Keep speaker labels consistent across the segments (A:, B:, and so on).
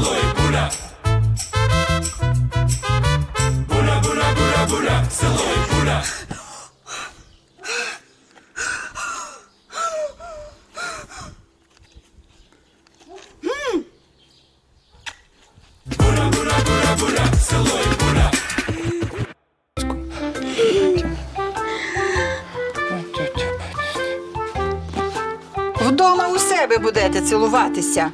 A: село і буля. Буля, буля, буля, буля, село і буля. Буля, буля, буля, буля, село і буля.
B: Вдома у себе будете цілуватися.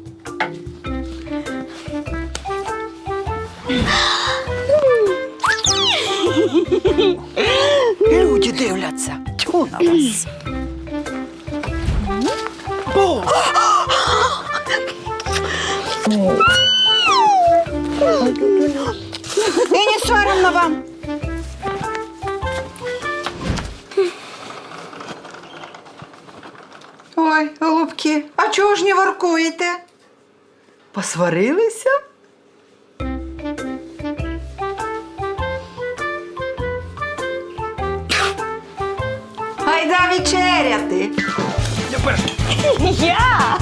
B: Люди дивляться. Тьфу на вас. І не соромно вам. Ой, голубки, а чого ж не воркуєте? Посварилися? Гайда вечеряти.
C: Я!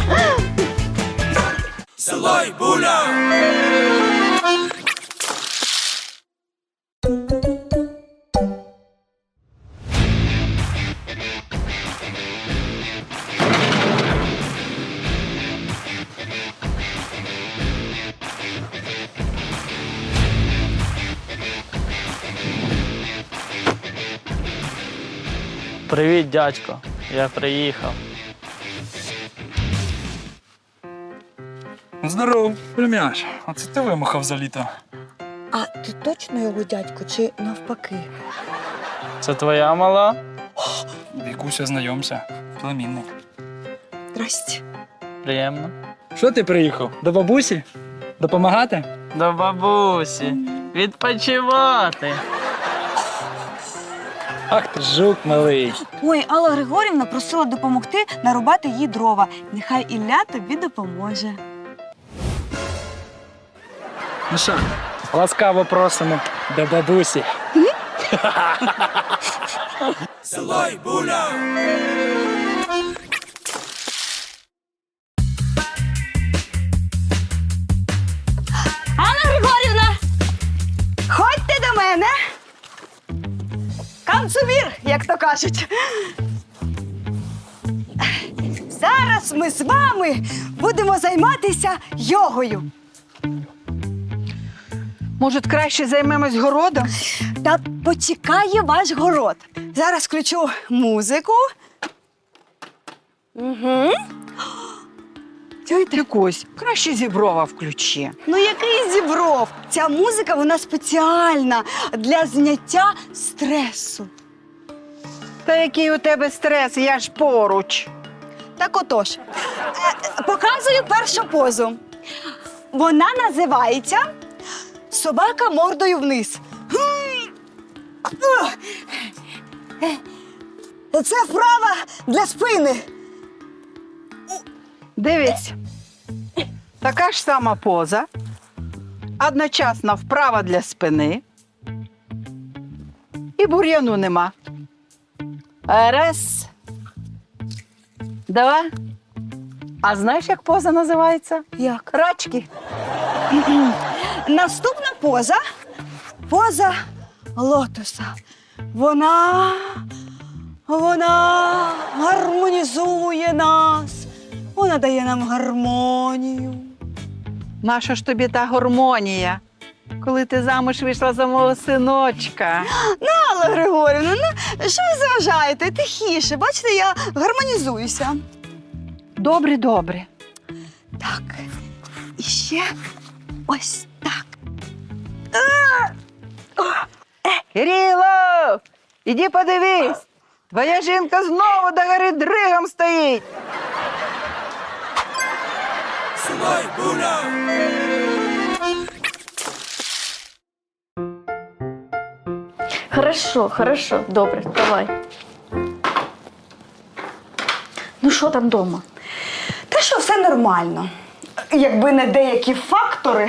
A: Село і буля.
D: Привіт, дядько. Я приїхав.
E: Здоров, плем'яч. А це ти вимахав за літо?
C: А ти точно його дядько чи навпаки?
D: Це твоя мала?
E: Вікуся, знайомся. Племінник.
C: Здрасте.
D: Приємно.
E: Що ти приїхав? До бабусі? Допомагати?
D: До бабусі. Відпочивати.
E: Ах ти жук малий.
C: Ой, Алла Григорівна просила допомогти нарубати їй дрова. Нехай Ілля тобі допоможе.
E: Ну що, ласкаво просимо до бабусі.
A: Село і буля.
C: Алла Григорівна! Ходьте до мене! Канцубір, як то кажуть. Зараз ми з вами будемо займатися йогою.
B: Може, краще займемось городом?
C: Та почекає ваш город. Зараз включу музику. Угу.
B: Чуєте, Кось, краще Зіброва включи.
C: Ну який Зібров? Ця музика, вона спеціальна для зняття стресу.
B: Та який у тебе стрес, я ж поруч.
C: Так отож, показую першу позу. Вона називається «Собака мордою вниз». Це вправа для спини.
B: Дивись, така ж сама поза, одночасно вправа для спини і бур'яну нема. Раз, два. А знаєш, як поза називається?
C: Як?
B: Рачки.
C: Наступна поза – поза лотоса. Вона гармонізує нас. Вона дає нам гармонію.
B: Наша ж тобі та гармонія, коли ти замуж вийшла за мого синочка.
C: Алла Григорівна, ну що ви заважаєте? Тихіше, бачите, я гармонізуюся.
B: Добре, добре.
C: Так, і ще ось так.
B: Кирило, іди подивись. Твоя жінка знову до гори дригом стоїть.
A: Село і буля.
F: Хорошо, добре, давай. Ну що там вдома?
C: Та що, все нормально. Якби не деякі фактори.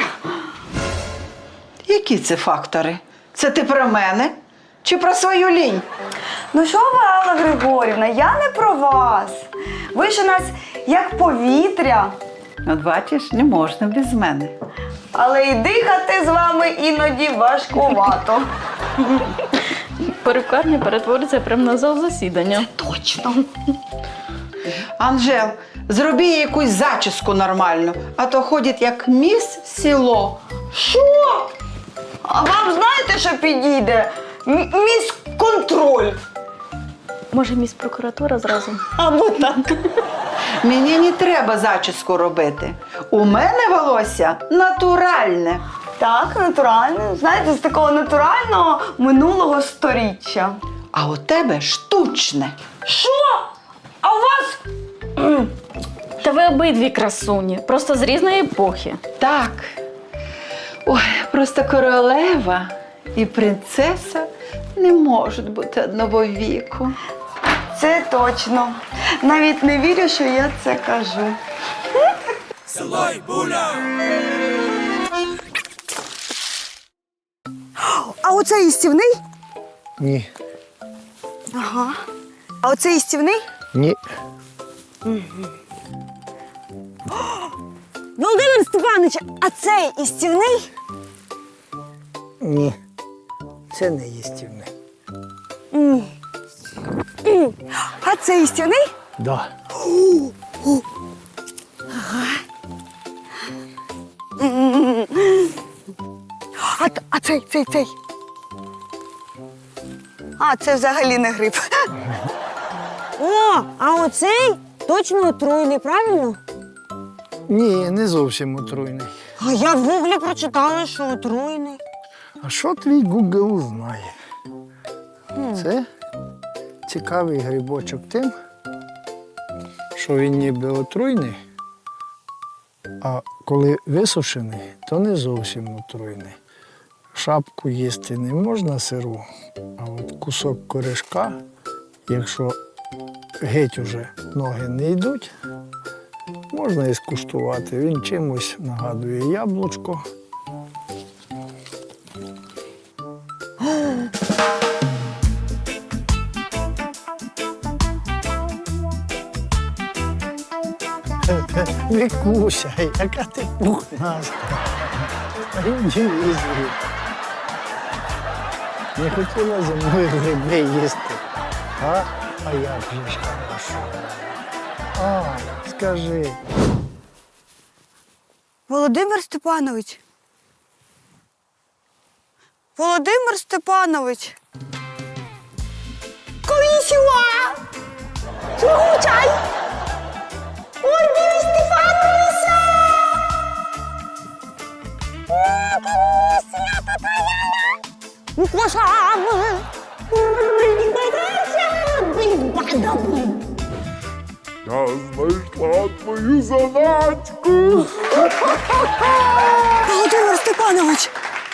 B: Які це фактори? Це ти про мене чи про свою лінь?
C: Ну що ви, Алла Григорівна, я не про вас. Ви ж у нас як повітря.
B: От бачиш, не можна без мене.
C: Але і дихати з вами іноді важкувато.
F: Перукарня перетвориться прямо на зал засідання.
C: Точно.
B: Анжел, зроби їй якусь зачіску нормальну, а то ходить як міс село.
C: Що? А вам знаєте, що підійде? Міс-контроль.
F: Може, міс прокуратура зразу?
C: Або так.
B: Мені не треба зачіску робити. У мене волосся натуральне.
C: Так, натурально. Знаєте, з такого натурального минулого сторіччя.
B: А у тебе штучне.
C: Що? А у вас?
F: Та ви обидві красуні, просто з різної епохи.
B: Так. Ой, просто королева і принцеса не можуть бути одного віку.
C: Це точно. Навіть не вірю, що я це кажу.
A: Село й буля.
C: А оце їстівний?
G: Ні.
C: Ага. А оце їстівний?
G: Ні.
C: Володимир Степанович, а цей їстівний?
G: Ні. Це не їстівне.
C: А цей їстівний?
G: Да.
C: А цей. А, це взагалі не гриб.
H: О, а оцей точно отруйний, правильно?
G: Ні, не зовсім отруйний.
H: А я в гуглі прочитала, що отруйний.
G: А що твій Google знає? Це цікавий грибочок тим, що він ніби отруйний, а коли висушений, то не зовсім отруйний. Шапку їсти не можна сиру, а от кусок корешка, якщо геть уже ноги не йдуть, можна і скуштувати. Він чимось нагадує яблучко. Вікуся, яка ти пухнаста. Іди візьми. Не хотіла зі мною гриби їсти. А як же ж хорошо. А, скажи.
C: Володимир Степанович. Володимир Степанович. Конічіва! Слухай! Володимир Степанович!
A: Я знайшла твою заначку.
C: Володимир Степанович!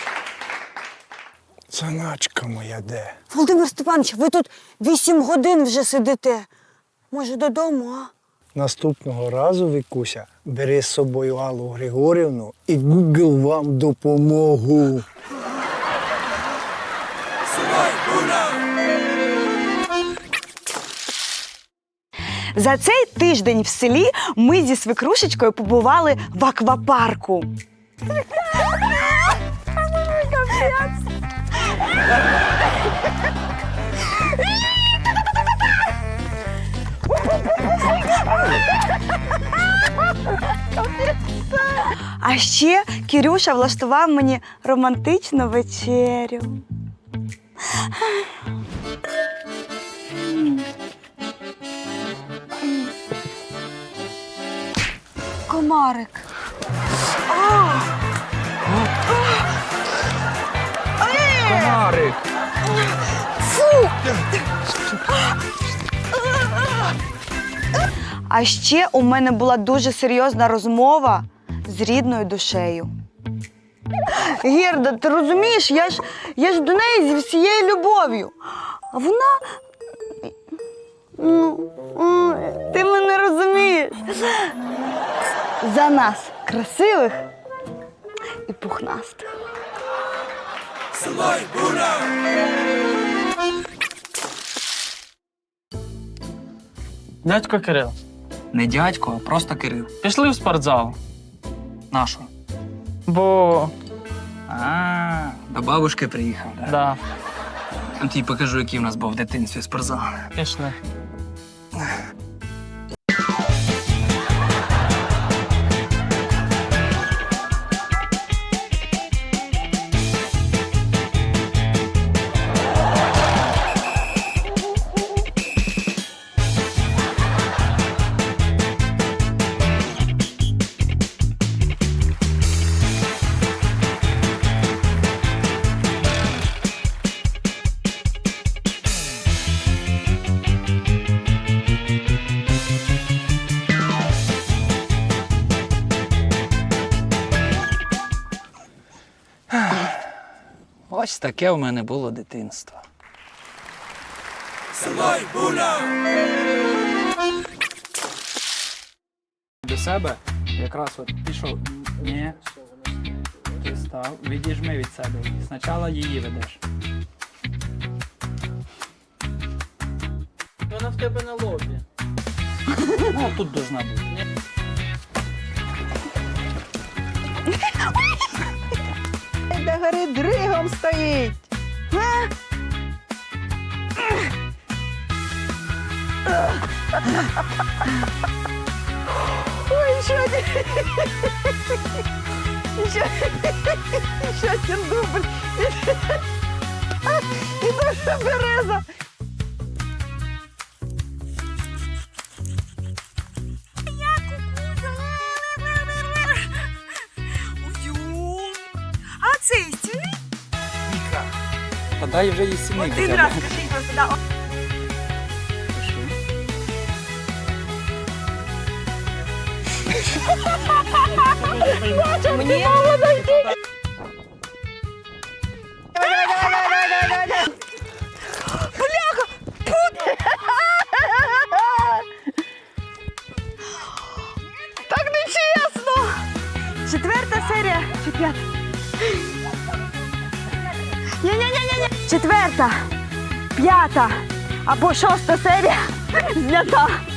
G: Заначка моя де?
H: Володимир Степанович, ви тут 8 годин вже сидите. Може, додому, а?
G: Наступного разу, Вікуся, бери з собою Аллу Григорівну і Google вам допомогу.
A: Село й буля.
C: За цей тиждень в селі ми зі свекрушечкою побували в аквапарку. А ще Кірюша влаштував мені романтичну вечерю. Комарик.
E: Комарик.
C: А ще у мене була дуже серйозна розмова з рідною душею. Герда, ти розумієш, я ж до неї зі всією любов'ю. А вона. Ти мене розумієш. За нас красивих і пухнастих.
A: Село й буля.
D: Дядько Кирил,
E: Не дядько, а просто Кирил.
D: Пішли в спортзал.
E: Нашу.
D: Бо.
E: До бабушки приїхав, так?
D: Да,
E: Я тобі покажу, який в нас був в дитинстві спортзал.
D: пішли.
E: Ось таке в мене було дитинство.
A: Село й буля.
E: До себе якраз от пішов. Ні. Ти став. Відіжми від себе. Спочатку її ведеш.
D: Вона в тебе на лобі.
E: Ну, тут должна бути.
B: До гори дригом стоїть. Ой, що ти? Що ти дубль? І дуже береза.
H: А цей стільний?
E: Та дай вже їй сімейку.
H: Один раз скажіть просто, да. Мені...
C: Так нечесно! 4 серія чи 5? Ні-ні-ні-ні. 4, 5 або 6 серія знята.